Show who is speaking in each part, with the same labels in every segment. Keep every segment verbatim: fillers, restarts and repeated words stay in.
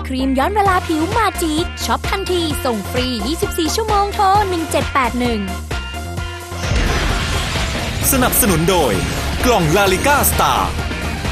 Speaker 1: ครีมย้อนเวลาผิวมาจิกช็อปทันทีส่งฟรียี่สิบสี่ชั่วโมงโทรหนึ่งเจ็ดแปดหนึ่ง
Speaker 2: สนับสนุนโดยกล่องลาลิก้าสตาร์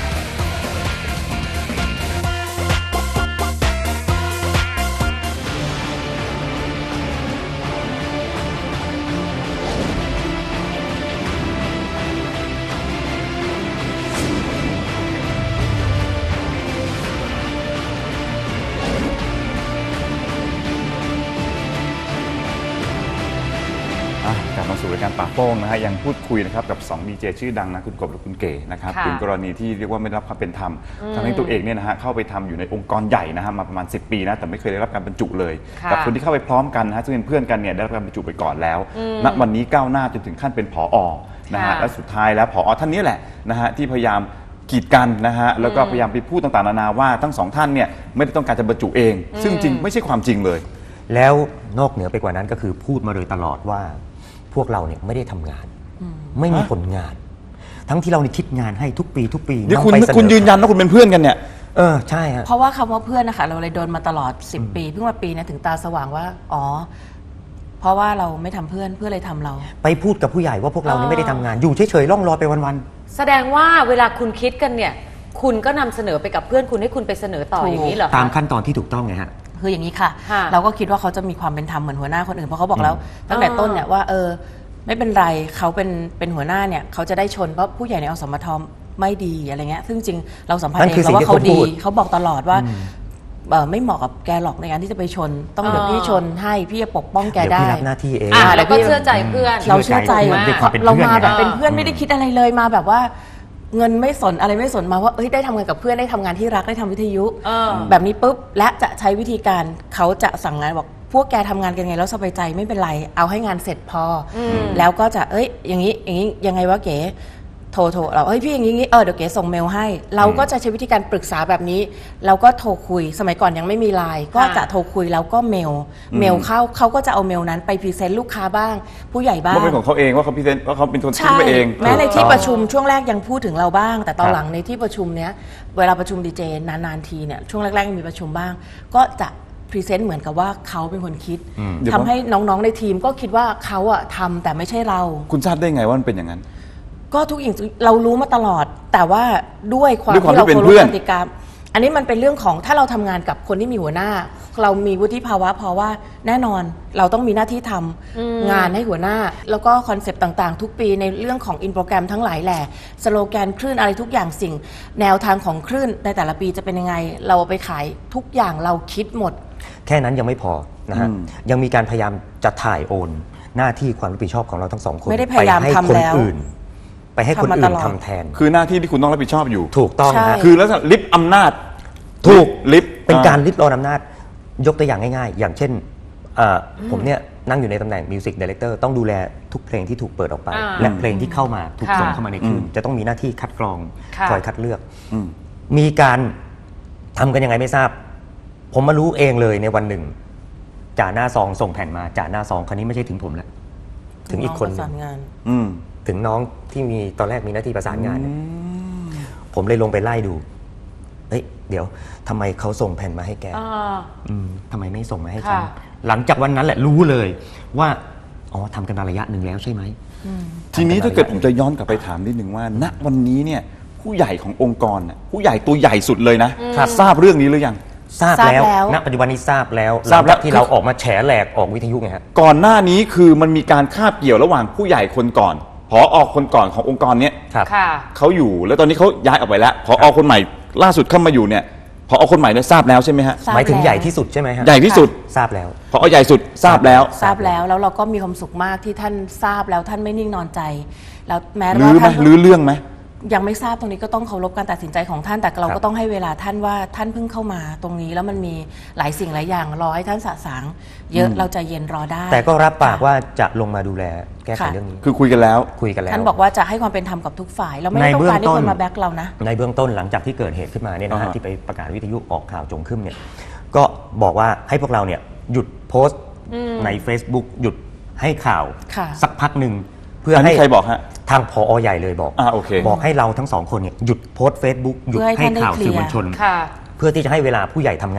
Speaker 2: กลับมาสู่รายการปากโป้งนะฮะยังพูดคุยนะครับกับสองดีเจชื่อดังนะคุณกบและคุณเก๋นะครับถึงกรณีที่เรียกว่าไม่ได้รับความเป็นธรรมทั้งที่ตัวเองเนี่ยนะฮะเข้าไปทำอยู่ในองค์กรใหญ่นะฮะมาประมาณสิบปีนะแต่ไม่เคยได้รับการบรรจุเลยกับคนที่เข้าไปพร้อมกันนะฮะซึ่งเป็นเพื่อนกันเนี่ยได้รับการบรรจุไปก่อนแล้วณวันนี้ก้าวหน้าจนถึงขั้นเป็นผอ.นะฮะและสุดท้ายแล้วผอ.ท่านนี้แหละนะฮะที่พยายามกีดกันนะฮะแล้วก็พยายามไปพูดต่างๆนานาว่าทั้งสองท่านเนี่ยไม่ได้ต้องการจะบรรจุเองซึ่งจริงไม่ใช่ความจริงเลย
Speaker 3: แล้วนอกเหนือไปกว่านั้นก็คือพูดมาโดยตลอดว่าพวกเราเนี่ยไม่ได้ทำงานไม่มีผลงานทั้งที่เราเนี่ยคิดงานให้ทุกปีทุกปี
Speaker 2: นี่คุณคุณยืนยันว่าคุณเป็นเพื่อนกันเนี่ย
Speaker 3: เออใช่ฮะ
Speaker 4: เพราะว่าคำว่าเพื่อนนะคะเราเลยโดนมาตลอดสิบปีเพิ่งมาปีนี้ถึงตาสว่างว่าอ๋อเพราะว่าเราไม่ทำเพื่อนเพื่อเลยทำเรา
Speaker 3: ไปพูดกับผู้ใหญ่ว่าพวกเรานี่ไม่ได้ทำงานอยู่เฉยๆล่องลอยไปวัน
Speaker 5: ๆแสดงว่าเวลาคุณคิดกันเนี่ยคุณก็นำเสนอไปกับเพื่อนคุณให้คุณไปเสนอต่ออย่างนี้เหรอ
Speaker 3: ตามขั้นตอนที่ถูกต้องไงฮะ
Speaker 4: คืออย่างนี้ค่ะเราก็คิดว่าเขาจะมีความเป็นธรรมเหมือนหัวหน้าคนอื่นเพราะเขาบอกแล้วตั้งแต่ต้นเนี่ยว่าเออไม่เป็นไรเขาเป็นเป็นหัวหน้าเนี่ยเขาจะได้ชนเพราะผู้ใหญ่ในอสมทไม่ดีอะไรเงี้ยซึ่งจริงเราสัมผัสเองว่าเขาดีเขาบอกตลอดว่าไม่เหมาะกับแกหรอกในการที่จะไปชนต้องเดี๋ยวพี่ชนให้พี่จะปกป้องแกได้
Speaker 3: เดี๋ยวพี่รับหน้าที่เอง
Speaker 5: แล้วก็เชื่อใจเพื่อน
Speaker 4: เราเชื่อใจเรามาแบบเป็นเพื่อนไม่ได้คิดอะไรเลยมาแบบว่าเงินไม่สนอะไรไม่สนมาว่าเอ้ยได้ทำงานกับเพื่อนได้ทำงานที่รักได้ทำวิทยุแบบนี้ปุ๊บและจะใช้วิธีการเขาจะสั่งงานบอกพวกแกทำงานกันไงแล้วสบายใจไม่เป็นไรเอาให้งานเสร็จพอแล้วก็จะเอ้ยอย่างนี้อย่างนี้ยังไงวะเก๋โทรโทรเราเฮ้ยพี่อย่างนี้เออเดี๋ยวเก๋ส่งเมลให้เราก็จะใช้วิธีการปรึกษาแบบนี้เราก็โทรคุยสมัยก่อนยังไม่มีไลน์ก็จะโทรคุยแล้วก็เมลเมลเข้าเขาก็จะเอาเมลนั้นไปพรีเซนต์ลูกค้าบ้างผู้ใหญ่บ้าง
Speaker 2: ว่าเป็นของเขาเองว่าเขาพรีเซนต์ว่าเขาเป็นคนคิดไปเอง
Speaker 4: แม้ในที่ประชุมช่วงแรกยังพูดถึงเราบ้างแต่ตอนหลังในที่ประชุมเนี้ยเวลาประชุมดีเจนานๆทีเนี่ยช่วงแรกๆมีประชุมบ้างก็จะพรีเซนต์เหมือนกับว่าเขาเป็นคนคิดทำให้น้องๆในทีมก็คิดว่าเขาอะทำแต่ไม่ใช่เรา
Speaker 2: คุณทราบได้ไงว่ามันเป็นอย่างนั้น
Speaker 4: ก็ทุกอย่างเรารู้มาตลอดแต่ว่าด้วยความที่เราเคารพกติกาอันนี้มันเป็นเรื่องของถ้าเราทำงานกับคนที่มีหัวหน้าเรามีวุฒิภาวะเพราะว่าแน่นอนเราต้องมีหน้าที่ทำงานให้หัวหน้าแล้วก็คอนเซปต์ต่างๆทุกปีในเรื่องของอินโปรแกรมทั้งหลายแหละสโลแกนคลื่นอะไรทุกอย่างสิ่งแนวทางของคลื่นในแต่ละปีจะเป็นยังไงเราไปขายทุกอย่างเราคิดหมด
Speaker 3: แค่นั้นยังไม่พอนะฮะยังมีการพยายามจะถ่ายโอนหน้าที่ความรับผิดชอบของเราทั้งสองคน
Speaker 4: ไม่ได้พยายามทำแล้ว
Speaker 3: ไปให้คนอื่นทำแทน
Speaker 2: คือหน้าที่ที่คุณต้องรับผิดชอบอยู่
Speaker 3: ถูกต้องนะ
Speaker 2: คือแล้วลิฟต์อำนาจ
Speaker 3: ถูก
Speaker 2: ลิฟต์
Speaker 3: เป็นการลิฟต์รอนอำนาจยกตัวอย่างง่ายๆอย่างเช่นผมเนี่ยนั่งอยู่ในตำแหน่งมิวสิกดีเรคเตอร์ต้องดูแลทุกเพลงที่ถูกเปิดออกไปและเพลงที่เข้ามาถูกส่งเข้ามาในคลื่นจะต้องมีหน้าที่คัดกรองคอยคัดเลือกมีการทำกันยังไงไม่ทราบผมมารู้เองเลยในวันหนึ่งจ่าหน้าซองส่งแผ่นมาจ่าหน้าซองคันนี้ไม่ใช่ถึงผมแล้วถึงอีกคนนึงถึงน้องที่มีตอนแรกมีหน้าที่ประสานงานผมเลยลงไปไล่ดูเฮ้ยเดี๋ยวทำไมเขาส่งแผ่นมาให้แกทำไมไม่ส่งมาให้ฉันหลังจากวันนั้นแหละรู้เลยว่าอ๋อทำกันมาระยะหนึ่งแล้วใช่ไหม
Speaker 2: ทีนี้ถ้าเกิดผมจะย้อนกลับไปถามนิดนึงว่าณวันนี้เนี่ยผู้ใหญ่ขององค์กรผู้ใหญ่ตัวใหญ่สุดเลยนะทราบเรื่องนี้หรือยัง
Speaker 3: ทราบแล้วณปัจจุบันนี้ทราบแล้วทราบแล้วที่เราออกมาแฉแหลกออกวิทยุไงฮะ
Speaker 2: ก่อนหน้านี้คือมันมีการคาบเกี่ยวระหว่างผู้ใหญ่คนก่อนผอ.คนก่อนขององค์กรเนี้ยเขาอยู่แล้วตอนนี้เขาย้ายออกไปแล้วผอ.คนใหม่ล่าสุดเข้ามาอยู่เนี่ยผอ.คนใหม่เนี่ยทราบแล้วใช่ไหมฮะ
Speaker 3: หมายถึงใหญ่ที่สุดใช่ไหมฮะ
Speaker 2: ใหญ่ที่สุด
Speaker 3: ทราบแล้ว
Speaker 2: ผอ.ใหญ่สุดทราบแล้ว
Speaker 4: ทราบแล้วแล้วเราก็มีความสุขมากที่ท่านทราบแล้วท่านไม่นิ่งนอนใจแล้วแม้
Speaker 2: ว่าท่านลื้อเรื่องไหม
Speaker 4: ยังไม่ทราบตรงนี้ก็ต้องเคารพการตัดสินใจของท่านแต่เราก็ต้องให้เวลาท่านว่าท่านเพิ่งเข้ามาตรงนี้แล้วมันมีหลายสิ่งหลายอย่างรอให้ท่านสะสางเยอะเราจะเย็นรอได้
Speaker 3: แต่ก็รับปากว่าจะลงมาดูแลแก้ไขเรื่องนี้
Speaker 2: คือคุยกันแล้ว
Speaker 3: คุยกันแล้ว
Speaker 4: ท่านบอกว่าจะให้ความเป็นธรรมกับทุกฝ่ายเราไม่ต้องการให้คนมาแบ็กเรานะ
Speaker 3: ในเบื้องต้นหลังจากที่เกิดเหตุขึ้นมาเนี่ยนะฮะที่ไปประกาศวิทยุออกข่าวจงขึ้นเนี่ยก็บอกว่าให้พวกเราเนี่ยหยุดโพสต์ใน Facebook หยุดให้ข่าวสักพักหนึ่ง
Speaker 2: เพื่อให้ใครบอกฮะ
Speaker 3: ทางผอ.ใหญ่เลยบอกบอกให้เราทั้งสองคนเนี่ยหยุดโพสต์ Facebook หยุดให้ข่าวสื่อมวลชนเพื่อที่จะให้เวลาผู้ใหญ่ทำงาน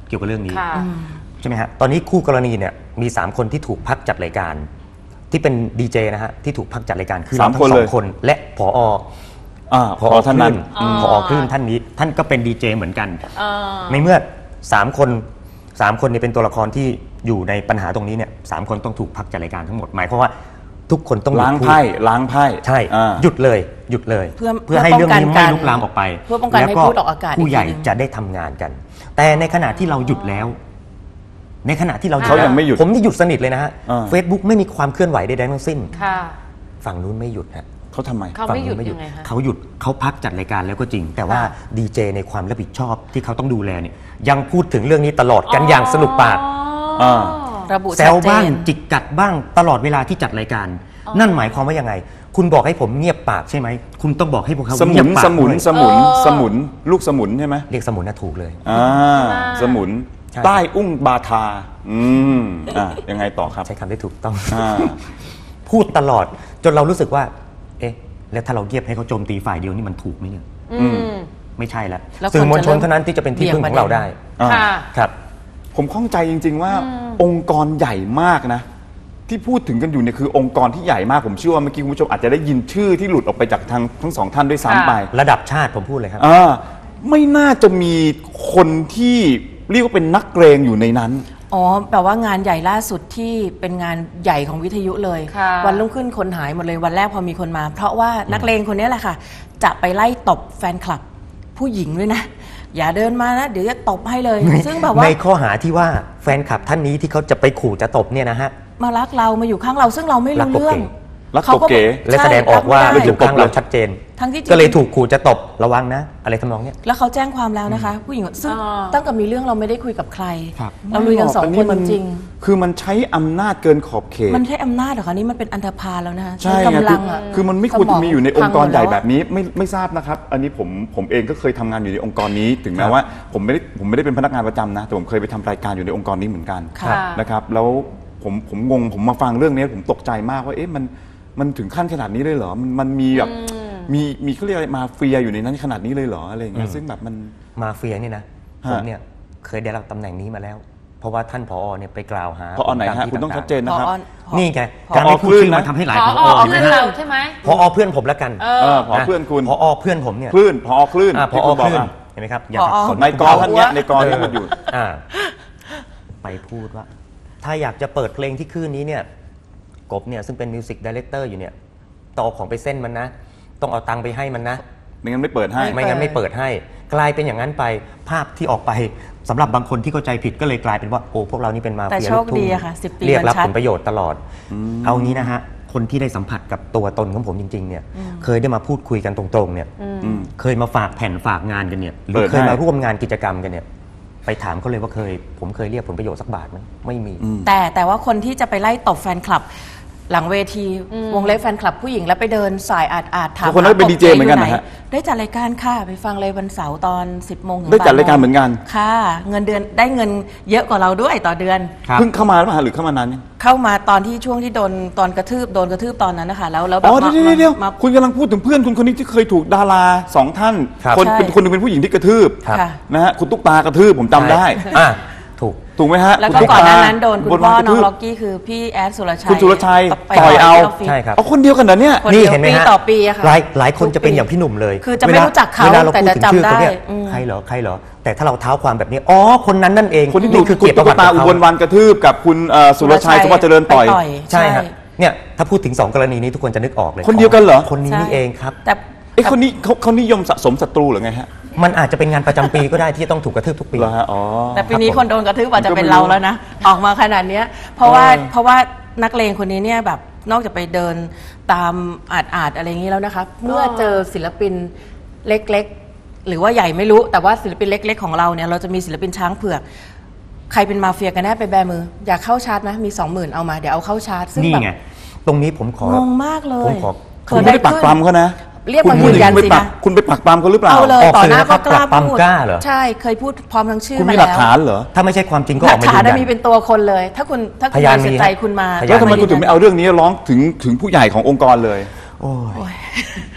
Speaker 3: เกี่ยวกับเรื่องนี้
Speaker 5: ค่ะ
Speaker 3: ใช่ไหมฮะตอนนี้คู่กรณีเนี่ยมีสามคนที่ถูกพักจัดรายการที่เป็นดีเจนะฮะที่ถูกพักจัดรายการคือ
Speaker 2: สาม
Speaker 3: เราทั้
Speaker 2: คน
Speaker 3: งส
Speaker 2: เล
Speaker 3: อย งคนและผอ
Speaker 2: อ่าพอท่านนั้น
Speaker 3: ผอคลื่นท่านนี้ท่านก็เป็นดีเจเหมือนกัน
Speaker 5: อ่า
Speaker 3: ในเมื่อสามคนสามคนเนี่ยเป็นตัวละครที่อยู่ในปัญหาตรงนี้เนี่ยสามคนต้องถูกพักจัดรายการทั้งหมดหมายความว่าทุกคนต้องหยุด
Speaker 2: ล้าง
Speaker 3: พูด
Speaker 2: ไพ่ล้างไพ่
Speaker 3: ใช่
Speaker 2: อ่า
Speaker 3: หยุดเลยหยุดเลย
Speaker 4: เพื่อ
Speaker 3: เพื่อให้เรื่องนี้
Speaker 4: เพื่อป้องกัน
Speaker 3: ไม่ลุกลามออกไป
Speaker 4: เพื่อป้องกันให้
Speaker 3: แล้ว
Speaker 4: พูดออกอากาศ
Speaker 3: ผู้ใหญ่
Speaker 4: อีกทีหนึ่ง
Speaker 3: จะได้ทำงานกัน แต่ในขณะที่เราหยุดแล้ว ในขณะที่เรา
Speaker 2: เขายังไม่หยุด
Speaker 3: ผมนี่หยุดสนิทเลยนะฮะ
Speaker 2: อ่า
Speaker 3: เฟซบุ๊กไม่มีความเคลื่อนไหวใดๆทั้งสิ้น
Speaker 5: ค่ะ
Speaker 3: ฝั่งนู้นไม่หยุดฮะ
Speaker 2: เขาทำไม
Speaker 5: เขา
Speaker 3: ฝั่ง
Speaker 5: ไม่หยุ
Speaker 3: นู้
Speaker 5: ด
Speaker 3: นไม่หยุด
Speaker 5: ยังไงคะ
Speaker 3: เขาหยุดเขาพักจัดรายการแล้วก็จริง แต่ว่า
Speaker 5: ค่ะ
Speaker 3: ดีเจในความรับผิดชอบที่เขาต้องดูแลเนี่ยยังพูดถึงเรื่องนี้ตลอดกันอย่างสนุกปาก
Speaker 2: อ่า
Speaker 4: ระบุ
Speaker 3: แซ
Speaker 4: ชัด
Speaker 3: ว
Speaker 4: เจ
Speaker 3: บ้าง
Speaker 4: น
Speaker 3: จิกกัดบ้างตลอดเวลาที่จัดรายการ นั่นหมายความว่ายังไง คุณบอกให้ผมเงียบปากใช่ไหมคุณต้องบอกให้พวกเขา
Speaker 2: สมุ
Speaker 3: เงีย
Speaker 2: น
Speaker 3: บปาก
Speaker 2: สมุน
Speaker 3: ด้วย
Speaker 2: สมุน
Speaker 5: เออ
Speaker 2: สมุนลูกสมุนใช่ไหม
Speaker 3: เรียกสมุนน่ะถูกเลย
Speaker 2: อ่าสมุน
Speaker 3: ใช่
Speaker 2: ใต้อุ้งบาทาอืมอ่ายังไงต่อครับ
Speaker 3: ใช้คำได้ถูกต้อง
Speaker 2: อ่า
Speaker 3: พูดตลอดจนเรารู้สึกว่า เอ๊ะ แล้วถ้าเราเงียบให้เขาโจมตีฝ่ายเดียวนี่มันถูกไหมเนี่ย
Speaker 5: อืม
Speaker 3: ไม่ใช่แล้ว
Speaker 4: แล้ว
Speaker 3: สื่อมวลชน
Speaker 4: คนจะเริ่ม
Speaker 3: เท่านั้นที่จะเป็นที่พึ่งของเราได้
Speaker 2: อ่า
Speaker 5: ค่ะ
Speaker 3: ครับ
Speaker 2: ผมข้องใจจริง ๆ ว่าองค์กรใหญ่มากนะ ที่พูดถึงกันอยู่เนี่ยคือองค์กรที่ใหญ่มากผมเชื่อว่าเมื่อกี้คุณผู้ชมอาจจะได้ยินชื่อที่หลุดออกไปจากทางทั้งสองท่านด้วยซ้ำไป
Speaker 3: ระดับชาติผมพูดเลยครับ
Speaker 2: อ่าไม่น่าจะมีคนที่เรียกว่าเป็นนักเกรงอยู่ในนั้น
Speaker 4: อ๋อแปลว่างานใหญ่ล่าสุดที่เป็นงานใหญ่ของวิทยุเลย
Speaker 5: ค่ะ
Speaker 4: วันรุ่งขึ้นคนหายหมดเลยวันแรกพอมีคนมา เพราะว่านักเลงคนนี้แหละค่ะ จะไปไล่ตบแฟนคลับ ผู้หญิงด้วยนะ อย่าเดินมานะ เดี๋ยวจะตบให้เลย ซึ่งแบบว่า
Speaker 3: ในข้อหาที่ว่าแฟนคลับท่านนี้ที่เขาจะไปขู่จะตบเนี่ยนะฮะ
Speaker 4: มารักเรามาอยู่ข้างเราซึ่งเราไม่
Speaker 3: รัก
Speaker 4: รู้
Speaker 3: ตบ
Speaker 4: เรื่อง
Speaker 3: เก๋
Speaker 2: รัก
Speaker 4: เขา
Speaker 2: ตบเก๋
Speaker 3: และแสดงออกว่า
Speaker 4: ใช่รับไม่
Speaker 3: อยู่
Speaker 4: ได้
Speaker 3: ข้างเราชัดเจน
Speaker 4: ทั้งที่จริง
Speaker 3: ก็เลยถูกขู่จะตบระวังนะ อะไรทำนองเนี้ย
Speaker 4: แล้วเขาแจ้งความแล้วนะคะ ผู้หญิงซึ่ง
Speaker 5: อ่า
Speaker 4: ตั้งแต่มีเรื่องเราไม่ได้คุยกับใคร
Speaker 3: ครับ
Speaker 4: เราลุยกันสองคนจริง
Speaker 2: คือมันใช้อำนาจเกินขอบเขต
Speaker 4: ๆมันใช้อำนาจเหรอคะนี่มันเป็นอันธพาลแล้วนะคะ
Speaker 2: ใช่
Speaker 4: ใช้
Speaker 2: ไง
Speaker 4: กำลังอะ
Speaker 2: คือคือมันไม่ควรจะมีอยู่ในองค์กรใหญ่แบบ
Speaker 4: นี้
Speaker 2: นี้ไม่ไม่ทราบนะครับ อันนี้ผมผมเองก็เคยทำงานอยู่ในองค์กรนี้ ถึงแม้ว่าผมไม่ได้ผมไม่ได้เป็นพนักงานประจำนะ แต่ผมเคยไปทำรายการอยู่ในองค์กรนี้เหมือนกัน
Speaker 4: ค่ะ
Speaker 2: นะครับแล้วผมผมงงผมมาฟังเรื่องนี้ผมตกใจมากว่าเอ๊ะมันมันถึงขั้นขนาดนี้เลยเหรอมันมันมีแบบมีมีเขาเรียกอะไรมาเฟียอยู่ในนั้นขนาดนี้เลยเหรออะไรอย่างเงี้ยซึ่งแบบมัน
Speaker 3: มาเฟียนี่นะ
Speaker 2: ฮะ
Speaker 3: ผมเนี่ยเคยได้รับตำแหน่งนี้มาแล้ว เพราะว่าท่านผอเนี่ยไปกล่าวหา
Speaker 2: พอไหน
Speaker 3: ผมตาม
Speaker 2: ฮะ
Speaker 3: ที่
Speaker 2: คุณต้อง
Speaker 3: ต่า
Speaker 2: ชัดเจนนะครับ
Speaker 4: พอ
Speaker 3: นี่ไง
Speaker 4: พอ
Speaker 3: การไม่พูดชื่อ
Speaker 2: พอ
Speaker 3: มันทำให้หลาย
Speaker 5: พ
Speaker 3: ผ
Speaker 5: อ
Speaker 3: อ
Speaker 5: อ
Speaker 3: เห็นไหม
Speaker 5: เพื่อน
Speaker 3: ฮะ
Speaker 5: เราใช่ไหม
Speaker 3: ผอเพื่อนผมแล้วกัน
Speaker 5: เอ
Speaker 2: เอ
Speaker 5: อ
Speaker 2: อพอเพื่อนคุณ
Speaker 3: ผอเพื่อนผมเนี่ย
Speaker 2: คลื่นพอคลื่น
Speaker 3: อ่าผ
Speaker 2: ที่
Speaker 3: อ
Speaker 2: คุณบ
Speaker 3: ค
Speaker 2: อก
Speaker 3: ลื่น
Speaker 2: อะ
Speaker 3: เห็นไหมครับอย่า
Speaker 4: ผอ
Speaker 3: สับสน
Speaker 2: ในกอท่านเนี้ยในกอที่มันอยู่
Speaker 3: อ่าไปพูดว่า ถ้าอยากจะเปิดเพลงที่คลื่นนี้เนี่ยกบเนี่ยซึ่งเป็นมิวสิกดีเลกเตอร์อยู่เนี่ยต่อของไปเส้นมันนะ ต้องเอาตังค์ไปให้มันนะ
Speaker 2: ไม่งั้นไม่เปิดให้
Speaker 3: ไม่งั้นไม่เปิดให้ กลายเป็นอย่างนั้นไปภาพที่ออกไปสำหรับบางคนที่เข้าใจผิดก็เลยกลายเป็นว่าโอ้พวกเรานี่เป็นมา
Speaker 4: แต่
Speaker 3: เฟีย
Speaker 4: โช
Speaker 3: ลู
Speaker 4: ค
Speaker 3: กทุ่
Speaker 4: ดี
Speaker 3: ง
Speaker 4: อะค่ะสิบปี
Speaker 3: เรียกรับ
Speaker 4: มันชัด
Speaker 3: ผลประโยชน์ตลอด เอางี้นะฮะคนที่ได้สัมผัสกับตัวตนของผมจริงๆเนี่ยเคยได้มาพูดคุยกันตรงๆเนี่ย
Speaker 2: อืม
Speaker 3: เคยมาฝากแผ่นฝากงานกันเนี่ยหรื
Speaker 2: เปิ
Speaker 3: อ
Speaker 2: ด
Speaker 3: เคย
Speaker 2: ให้
Speaker 3: มาร่วมงานกิจกรรมกันเนี่ยไปถามเขาเลยว่าเคย ผมเคยเรียกผลประโยชน์สักบาทไหมไม่มี
Speaker 4: แต่แต่ว่าคนที่จะไปไล่ตบแฟนคลับ หลังเวทีวงเล็บแฟนคลับผู้หญิงแล้วไปเดินสายอาดอาดถาม
Speaker 2: คนนั้นเป็น
Speaker 4: หา
Speaker 2: ดีเจเหมือนกันนะฮะ
Speaker 4: ได้จัดรายการค่ะไปฟังเลยวันเสาร์ตอนสิบโมงถึง
Speaker 2: ได้จัด
Speaker 4: บ่โมง
Speaker 2: รายการเหมือนกัน
Speaker 4: ค่ะ เงินเดือนได้เงินเยอะกว่าเราด้วยต่อเดือน
Speaker 3: ครับ
Speaker 2: เพิ่งเข้ามาหรือเปล่าหรือเข้ามานานยัง
Speaker 4: เข้ามาตอนที่ช่วงที่โดนตอนกระทืบโดนกระทืบตอนนั้นนะคะแล้วแล้วแบ
Speaker 2: อ๋
Speaker 4: บ
Speaker 2: อ
Speaker 4: มา
Speaker 2: เดี๋ยวเดี๋ยวเดี๋ยว
Speaker 4: มา
Speaker 2: คุณกำลังพูดถึงเพื่อนคุณคนนี้ที่เคยถูกดาราสองท่าน
Speaker 3: ครับ
Speaker 2: คน
Speaker 4: ใช่
Speaker 2: เป็นคนหนึงเป็นผู้หญิงที่กระทืบ
Speaker 3: ครับ
Speaker 4: ค่ะ
Speaker 2: นะฮะคุณตุ๊กตากระทืบผมจำได้
Speaker 3: อ่ะถูก
Speaker 2: ถูกไหมฮะ
Speaker 4: แล้วก็
Speaker 2: คุณตุ๊
Speaker 4: ก่อนหน้า
Speaker 2: ตา
Speaker 4: นั้นโดนคุณ
Speaker 2: บ
Speaker 4: พ่อ
Speaker 2: วักระ
Speaker 4: น้อง
Speaker 2: ทืบ
Speaker 4: ล็อกกี้คือพี่แอดสุรชัย
Speaker 2: คุณสุรชัย
Speaker 4: ไป
Speaker 2: ต่อยเอา
Speaker 4: ที่ฟฟิศ
Speaker 3: ใช่ครับ
Speaker 2: เอาคนเดียวกันเหรอเนี่ย
Speaker 4: คน
Speaker 3: นี่
Speaker 4: เดียว
Speaker 3: เห็นไหม
Speaker 4: ปี
Speaker 3: ฮะ
Speaker 4: ต่อปีอะค่ะ
Speaker 3: หลายหลายคนจะเป็นอย่างพี่หนุ่มเลย
Speaker 4: คือจะไม่
Speaker 3: วล
Speaker 4: รู้จักเขา
Speaker 3: เวลาเรา
Speaker 4: แต่
Speaker 3: พูด
Speaker 4: จะ
Speaker 3: ถึงชื่อ
Speaker 4: จำได้
Speaker 3: เขาเนี่ย
Speaker 4: อืม
Speaker 3: ใครเหรอใครเหรอแต่ถ้าเราเท้าความแบบนี้อ๋อคนนั้นนั่นเอง
Speaker 2: คนที่ถูก
Speaker 3: คือ
Speaker 2: คุณ
Speaker 3: เกียรติประ
Speaker 2: ตุ๊
Speaker 3: วั
Speaker 2: ก
Speaker 3: ติ
Speaker 2: ตา
Speaker 3: ของ
Speaker 2: อุ
Speaker 3: เขา
Speaker 2: บลวันกระทืบกับคุณเอ่อสุรชัยสมบัติเจริญต่อย
Speaker 4: ไป
Speaker 3: ใช่ครับเนี่ยถ้าพูดถึงสองกรณีนี้ทุกคนจะนึกออกเลย
Speaker 2: คนเดียวกันเหรอ
Speaker 3: คนนี้
Speaker 4: ใช่
Speaker 3: นี่เองครับ
Speaker 4: แต่
Speaker 2: ไอ้ยคนนี้เขาเขานิยมสะสมศัตรูหรือไงฮะ
Speaker 3: มันอาจจะเป็นงานประจำปีก็ได้ที่จะต้องถูกกระทืบทุกปี
Speaker 2: เหรอฮะอ๋อ
Speaker 4: แต่ปีนี้
Speaker 3: ครับผม
Speaker 4: คนโดนกระทืบอาจจะเป็น
Speaker 2: ผมก็ไม่รู้
Speaker 4: เราแล้วนะ ออกมาขนาดเนี้ยเพราะว่า
Speaker 2: เออ
Speaker 4: เพราะว่านักเลงคนนี้เนี่ยแบบนอกจากไปเดินตามอาดอาดอะไรอย่างนี้แล้วนะคะเมื่อเจอศิลปินเล็กๆ หรือว่าใหญ่ไม่รู้แต่ว่าศิลปินเล็ก ๆ ของเราเนี่ยเราจะมีศิลปินช้างเผือกใครเป็นมาเฟียกันแน่ไปแบมือ อยากเข้าชาร์จไหมมีสองหมื่นเอามาเดี๋ยวเอาเข้าชาร์จซึ่ง
Speaker 3: นี่
Speaker 4: แบบ
Speaker 3: ไงตรงนี้ผมของ
Speaker 4: งมากเลย
Speaker 3: ผมขอ
Speaker 2: คุณไม่ได้ปักปรำเขานะ
Speaker 4: เรียก
Speaker 2: คุณ
Speaker 4: มา
Speaker 2: พู
Speaker 4: ยื
Speaker 2: ด
Speaker 4: นยัน
Speaker 2: คุณไป
Speaker 4: สิ
Speaker 2: ปัก
Speaker 4: นะ
Speaker 2: คุณไปปักปรำเขาหรือเปล่า
Speaker 4: เอาเลย
Speaker 3: ออก
Speaker 4: ต่อ
Speaker 3: สื่อ
Speaker 4: หน้า
Speaker 3: นะครั
Speaker 4: ก็
Speaker 3: บ
Speaker 4: กล้า
Speaker 3: ปรับปราม
Speaker 4: พูด
Speaker 3: กล้าเหรอ
Speaker 4: ใช่เคยพูดพร้อมทั้งชื่อ
Speaker 2: คุณ
Speaker 4: มา
Speaker 2: มี
Speaker 4: แล้ว
Speaker 2: หลักฐานเหรอ
Speaker 3: ถ้าไม่ใช่ความจริงก็
Speaker 4: ห
Speaker 3: อ
Speaker 4: ลั
Speaker 3: อก
Speaker 4: ก
Speaker 3: มา
Speaker 4: ฐา
Speaker 3: ยื
Speaker 4: น
Speaker 3: นยั
Speaker 4: มี
Speaker 3: น
Speaker 4: เป็นตัวคนเลย ถ้าคุณถ้าคุณ
Speaker 3: พยาน
Speaker 4: บริสุทธิ์
Speaker 3: มี
Speaker 4: ใจ
Speaker 3: ฮะ
Speaker 4: คุณมา
Speaker 3: พยาน
Speaker 2: แล้วทำไม
Speaker 4: า
Speaker 2: คุณถึงไม่เอาเรื่องนี้ร้องถึงถึงผู้ใหญ่ขององค์กรเลย
Speaker 3: โอ้ย
Speaker 4: โอ้ยค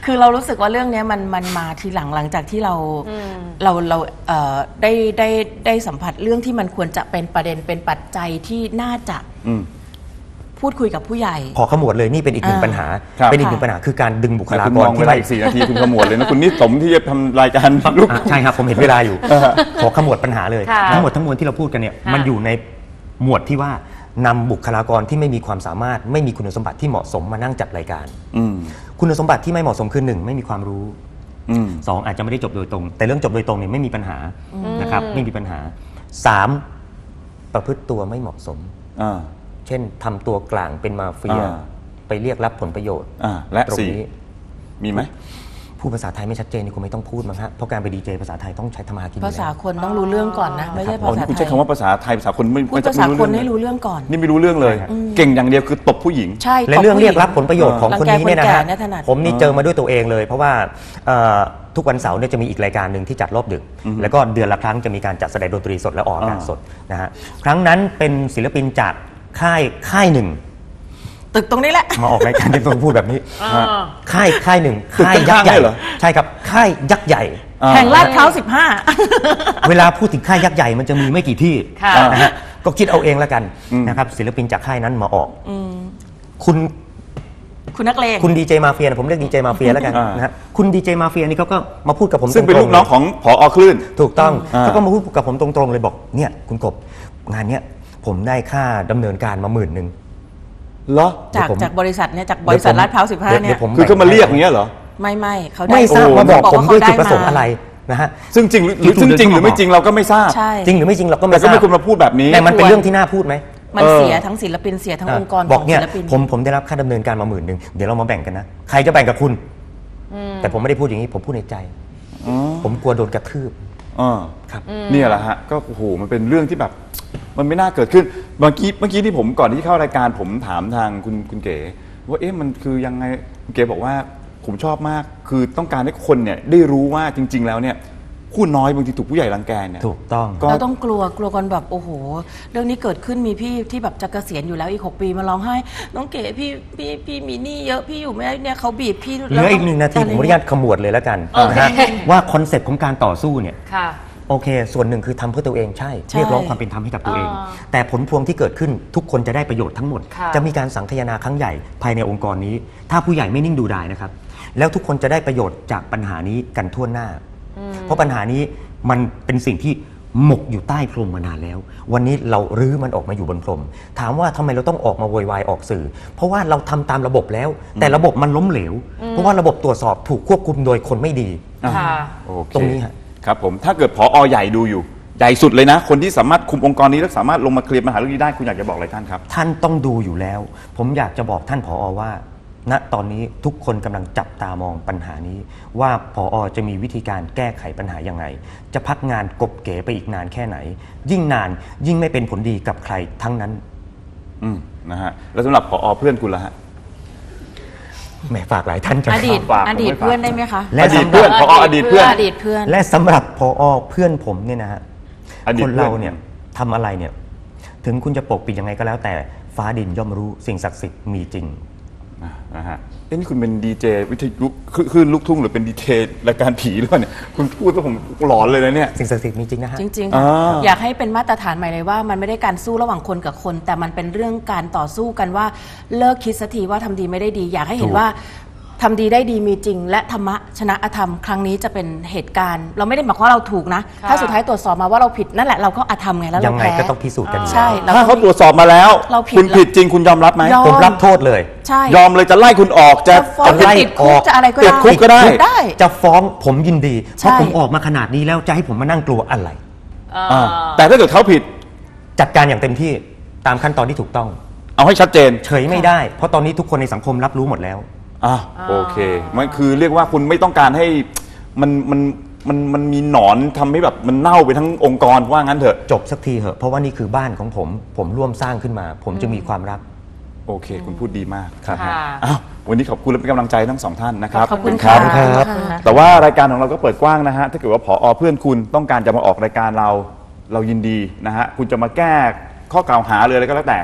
Speaker 4: คือเรารู้สึกว่าเรื่องนี้มันมันมาทีหลังหลังจากที่เราเราเราเอ่อได้ได้ได้สัมผัสเรื่องที่มันควรจะเป็นประเด็นเป็นปัจจัยที่น่าจะพูดคุยกับผู้ใหญ่
Speaker 3: ขอขมวดเลยนี่เป็นอีกหนึ่งปัญหาเป็นอีกหนึ่งปัญหาคือการดึงบุคลากร
Speaker 2: ที่ไล่อีกสี่นาทีคุณขมวดเลยนะคุณนี่สมที่จะทำรายการลูก
Speaker 3: ใช่ครับผมเห็นเวลาอยู่ขอขมวดปัญหาเลยทั้งหมดทั้งมวลที่เราพูดกันเนี่ยมันอยู่ในหมวดที่ว่านำบุคลากรที่ไม่มีความสามารถไม่มีคุณสมบัติที่เหมาะสมมานั่งจัดรายการคุณสมบัติที่ไม่เหมาะสมคือหนึ่งไม่มีความรู้สองอาจจะไม่ได้จบโดยตรงแต่เรื่องจบโดยตรงเนี่ยไม่มีปัญหานะครับไม่มีปัญหาสามประพฤติตัวไม่เหมาะสมเช่นทำตัวกลางเป็นมาเฟียไปเรียกรับผลประโยชน์
Speaker 2: และตรงนี้มีไหม
Speaker 3: พูดภาษาไทยไม่ชัดเจนนี่คงไม่ต้องพูดมั้งฮะเพราะการไปดีเจภาษาไทยต้องใช้ธรรมากิน
Speaker 4: ภาษาคนต้องรู้เรื่องก่อนนะไม่ใช่ภาษาไทย
Speaker 2: คุณใช้คำว่าภาษาไทยภาษาคนไม่
Speaker 4: พูดภาษาคนให้รู้เรื่องก่อน
Speaker 2: นี่ไม่รู้เรื่องเลยเก่งอย่างเดียวคือตบผู้หญิง
Speaker 4: ใช่
Speaker 3: และเรื่องเรียกรับผลประโยชน์ของคนนี้เนี่ยนะฮะผมนี่เจอมาด้วยตัวเองเลยเพราะว่าทุกวันเสาร์เนี่ยจะมีอีกรายการหนึ่งที่จัดรอบดึกแล้วก็เดือนละครั้งจะมีการจัดแสดงดนตรีสดและออกอากาศสดนะฮะครั้งนั้นเป็นศิลปินจากค่ายค่ายหนึ่ง
Speaker 4: ตึกตรงนี้แหละ
Speaker 3: มาออกรายการที่ต้องพูดแบบนี้ค่ายค่ายหนึ่งค่ายยักษ์ใหญ่เหรอใช่ครับค่ายยักษ์ใหญ่
Speaker 4: แห่งลาดพร้าวสิบห้า
Speaker 3: เวลาพูดถึงค่ายยักษ์ใหญ่มันจะมีไม่กี่ที่นะฮะก็คิดเอาเองแล้วกันนะครับศิลปินจากค่ายนั้นมาออกคุณ
Speaker 4: คุณนักเลง
Speaker 3: คุณดีเจมาเฟียผมเรียกดีเจมาเฟียแล้วกันนะฮะคุณดีเจมาเฟียนี่เขาก็มาพูดกับผม
Speaker 2: ซึ่งเป็นลูกน้องของผอ.คลื่น
Speaker 3: ถูกต้องเขาก็มาพูดกับผมตรงๆเลยบอกเนี่ยคุณกบงานเนี้ยผมได้ค่าดำเนินการมาหมื่นหนึ่ง
Speaker 2: เหรอ
Speaker 4: จากจากบริษัทเนี่ยจากบริษัทลาดพร้าวสิบห้าเนี่ย
Speaker 2: คือเขามาเรียกอย่างเงี้ยเหรอ
Speaker 4: ไม่ไม่เขา
Speaker 3: ไม่ทราบมาบอกผมด้วยจุดประสงค์อะไรนะฮะ
Speaker 2: ซึ่งจริงหรือซึ่งจริงหรือไม่จริงเราก็ไม่ทราบ
Speaker 3: จริงหรือไม่จริงเราก็ไม่ทราบ
Speaker 2: แต่ก็ไม่ควรมาพูดแบบนี้
Speaker 3: แต่มันเป็นเรื่องที่น่าพูดไหม
Speaker 4: มันเสียทั้งศิลปินเสียทั้งองค์กร
Speaker 3: บอกเนี่ยผมผมได้รับค่าดำเนินการมาหมื่นหนึ่งเดี๋ยวเรามาแบ่งกันนะใครจะแบ่งกับคุณแต่ผมไม่ได้พูดอย่างนี้ผมพูดในใจผมกลัวโดนกระทืบ
Speaker 2: ครับนี่แหละฮะก็โอ้โหมันเป็นเรื่องที่แบบมันไม่น่าเกิดขึ้นเมื่อกี้เมื่อกี้ที่ผมก่อนที่เข้ารายการผมถามทางคุณคุณเก๋ว่าเอ๊ะมันคือยังไงคุณเก๋บอกว่าผมชอบมากคือต้องการให้คนเนี่ยได้รู้ว่าจริงๆแล้วเนี่ยผู้น้อยบางทีถูกผู้ใหญ่รังแกเนี่ย
Speaker 3: ถูกต้อง
Speaker 4: เราต้องกลัวกลัวกันแบบโอ้โหเรื่องนี้เกิดขึ้นมีพี่ที่แบบจะเกษียณอยู่แล้วอีกหกปีมาร้องไห้น้องเก๋พี่พี่พี่มีหนี้เยอะพี่อยู่ไม่ได้เนี่ยเขาบีบพี่
Speaker 3: เหลืออีกหนึ่งนาทีผมอนุญาตขมวดเลยแล้วกันนะฮะว่าคอนเซ็ปต์ของการต่อสู้เนี่ยโอเคส่วนหนึ่งคือทำเพื่อตัวเองใช่เรียกร้องความเป็นธรรมให้กับตัวเองแต่ผลพวงที่เกิดขึ้นทุกคนจะได้ประโยชน์ทั้งหมดจะมีการสังคายนาครั้งใหญ่ภายในองค์กรนี้ถ้าผู้ใหญ่ไม่นิ่งดูดายนะครับแล้วทุกคนจะได้ประโยชน์จากปัญหานี้กันทั่วหน้าเพราะปัญหานี้มันเป็นสิ่งที่หมกอยู่ใต้พรมมานานแล้ววันนี้เรารื้อมันออกมาอยู่บนพรมถามว่าทำไมเราต้องออกมาโวยวายออกสื่อเพราะว่าเราทำตามระบบแล้วแต่ระบบมันล้มเหลวเพราะว่าระบบตรวจสอบถูกควบคุมโดยคนไม่ดีตรงนี้
Speaker 2: ครับผมถ้าเกิดผอ.ใหญ่ดูอยู่ใหญ่สุดเลยนะคนที่สามารถคุมองค์กรนี้และสามารถลงมาเคลียร์ปัญหาเรื่องนี้ได้คุณอยากจะบอกอะไรท่านครับ
Speaker 3: ท่านต้องดูอยู่แล้วผมอยากจะบอกท่านผอ.ว่าณตอนนี้ทุกคนกำลังจับตามองปัญหานี้ว่าผอ.จะมีวิธีการแก้ไขปัญหายังไงจะพักงานกบเก๋ไปอีกนานแค่ไหนยิ่งนานยิ่งไม่เป็นผลดีกับใครทั้งนั้น
Speaker 2: อืมนะฮะแล้วสำหรับผอ.เพื่อนคุณล่ะฮะ
Speaker 3: แม่ฝากหลายท่านจะ
Speaker 4: อดีตอดีตเพื่อนได้ไหมคะ
Speaker 2: อดีตเพื่อนผอ.อดีตเพื่อน
Speaker 4: อดีตเพื่อน
Speaker 3: และสำหรับผอ.เพื่อนผมเนี่ยนะฮะคนเราเนี่ยทำอะไรเนี่ยถึงคุณจะปกปิดยังไงก็แล้วแต่ฟ้าดินย่อมรู้สิ่งศักดิ์สิทธิ์มีจริง
Speaker 2: นะฮะเอ้นี่คุณเป็นดีเจวิทยุคลื่นลูกทุ่งหรือเป็นดีเจรายการผีหรือเปล่าเนี่ยคุณพูดแล้วผมหลอนเลยนะเนี่ย
Speaker 3: สิ่งศักดิ์สิทธิ์มีจริงนะฮะ
Speaker 4: จริงๆอยากให้เป็นมาตรฐานใหม่เลยว่ามันไม่ได้การสู้ระหว่างคนกับคนแต่มันเป็นเรื่องการต่อสู้กันว่าเลิกคิดสักทีว่าทำดีไม่ได้ดีอยากให้เห็นว่าทำดีได้ดีมีจริงและธรรมะชนะอธรรมครั้งนี้จะเป็นเหตุการณ์เราไม่ได้หมายความว่าเราถูกนะถ้าสุดท้ายตรวจสอบมาว่าเราผิดนั่นแหละเราก็อธรรมไงแล้วเราแพ้
Speaker 3: ยังไงก็ต้องพิสูจน์กัน
Speaker 4: ใช่
Speaker 2: ถ้าเขาตรวจสอบมาแล้วคุณผิดจริงคุณยอมรับไหม
Speaker 3: ผมรับโทษเลย
Speaker 2: ยอมเลยจะไล่คุณออกจะ
Speaker 4: ไล่ออก
Speaker 2: จะ
Speaker 4: อะไรก็
Speaker 2: ได้คุกก็ได้
Speaker 3: จะฟ้องผมยินดีเพราะผมออกมาขนาดนี้แล้วจะให้ผมมานั่งกลัวอะไร
Speaker 2: แต่ถ้าเกิดเขาผิด
Speaker 3: จัดการอย่างเต็มที่ตามขั้นตอนที่ถูกต้อง
Speaker 2: เอาให้ชัดเจน
Speaker 3: เฉยไม่ได้เพราะตอนนี้ทุกคนในสังคมรับรู้หมดแล้ว
Speaker 2: อ่าโอเคมันคือเรียกว่าคุณไม่ต้องการให้มันมันมันมันมีหนอนทำให้แบบมันเน่าไปทั้งองค์กรว่างั้นเถอะ
Speaker 3: จบสักทีเถอะเพราะว่านี่คือบ้านของผมผมร่วมสร้างขึ้นมาผมจะมีความรัก
Speaker 2: โอเคคุณพูดดีมากครับอ้าววันนี้ขอบคุณและเป็นกำลังใจทั้งสองท่านนะครับ
Speaker 4: ขอบคุณครับ
Speaker 2: แต่ว่ารายการของเราก็เปิดกว้างนะฮะถ้าเกิดว่าผอ.เพื่อนคุณต้องการจะมาออกรายการเราเรายินดีนะฮะคุณจะมาแก้ข้อกล่าวหาเลยอะไรก็แล้วแต่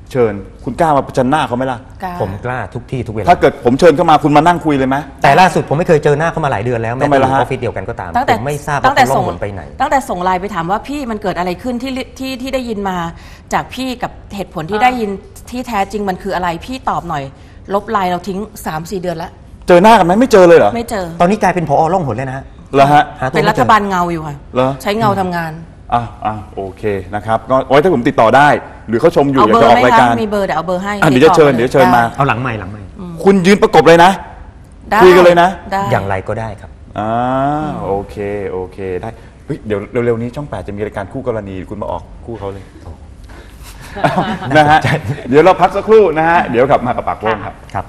Speaker 2: เชิญคุณกล้ามาประจันหน้าเขาไหมล่ะ
Speaker 4: กล้า
Speaker 3: ผมกล้าทุกที่ทุกเวลา
Speaker 2: ถ้าเกิดผมเชิญเข้ามาคุณมานั่งคุยเลยไหม
Speaker 3: แต่ล่าสุดผมไม่เคยเจอหน้าเขามาหลายเดือนแล้วแม้
Speaker 2: ทำไม
Speaker 3: แต่อ
Speaker 2: ล่ะ
Speaker 3: ยู่
Speaker 2: ฮะ
Speaker 3: ออฟฟิศเดียวกันก็ตาม
Speaker 4: ตั้งแต่
Speaker 3: ผมไม่ทราบ
Speaker 4: ตั้
Speaker 3: ว่าง
Speaker 4: แต่
Speaker 3: เขาล่
Speaker 4: ส่
Speaker 3: อง งหนไปไหน
Speaker 4: ตั้งแต่ส่งไลน์ไปถามว่าพี่มันเกิดอะไรขึ้นที่ที่ที่ได้ยินมาจากพี่กับเหตุผลที่
Speaker 5: อ่า
Speaker 4: ได้ยินที่แท้จริงมันคืออะไรพี่ตอบหน่อย ลบไลน์เราทิ้ง สามสี่ เดือนแล้ว
Speaker 2: เจอหน้ากันไหมไม่เจอเลยเหรอ
Speaker 4: ไม่เจอ
Speaker 3: ตอนนี้กลายเป็นผอล่องหนเลยนะฮะ
Speaker 2: เหรอฮะ
Speaker 3: หาตัว
Speaker 4: เป็น
Speaker 3: ไม่
Speaker 4: รั
Speaker 3: เจ
Speaker 4: ฐ
Speaker 3: อ
Speaker 4: บาลเงาอยู่ค่ะ
Speaker 2: เหรอ
Speaker 4: ใช้เงาทำงาน
Speaker 2: อ่ะอ่ะโอเคนะครับก็ไว้ถ้าผมติดต่อได้ หรือเขาชมอยู่
Speaker 4: เอา
Speaker 2: อยาก
Speaker 4: เบอ
Speaker 2: จะอ
Speaker 4: ร์
Speaker 2: อก
Speaker 4: ไหม
Speaker 2: ราย
Speaker 4: คะ
Speaker 2: การ
Speaker 4: มีเบอร์เดี๋ยวเอาเบอร์ให้
Speaker 2: อ่ะเดี๋ยวจะเชิญเดี๋ยวเชิญมา
Speaker 3: เอาหลังใหม่หลังใหม่
Speaker 2: คุณยืนประกบเลยนะ
Speaker 4: ได้
Speaker 2: คุยกันเลยนะ
Speaker 4: ได้
Speaker 3: อย่างไรก็ได้ครับ
Speaker 2: อ่าโอเคโอเคได้เฮ้ยเดี๋ยวเร็วๆนี้ช่องแปดจะมีรายการคู่กรณีคุณมาออกคู่เขาเลยนะฮะเดี๋ยวเราพักสักครู่นะฮะเดี๋ยวกลับมากับปากโป้งครับ
Speaker 3: ครับ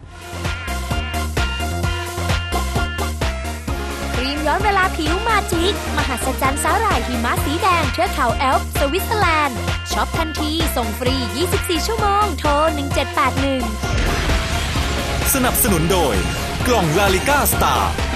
Speaker 1: ครีมย้อนเวลาผิวมาจิกมหัศจรรย์สาหร่ายหิมะสีแดงเทือกเขาแอลป์สวิตเซอร์แลนด์ช็อปทันทีส่งฟรี ยี่สิบสี่ ชั่วโมงโทรหนึ่งเจ็ดแปดหนึ่ง
Speaker 6: สนับสนุนโดยกล่องลาลิก้าสตาร์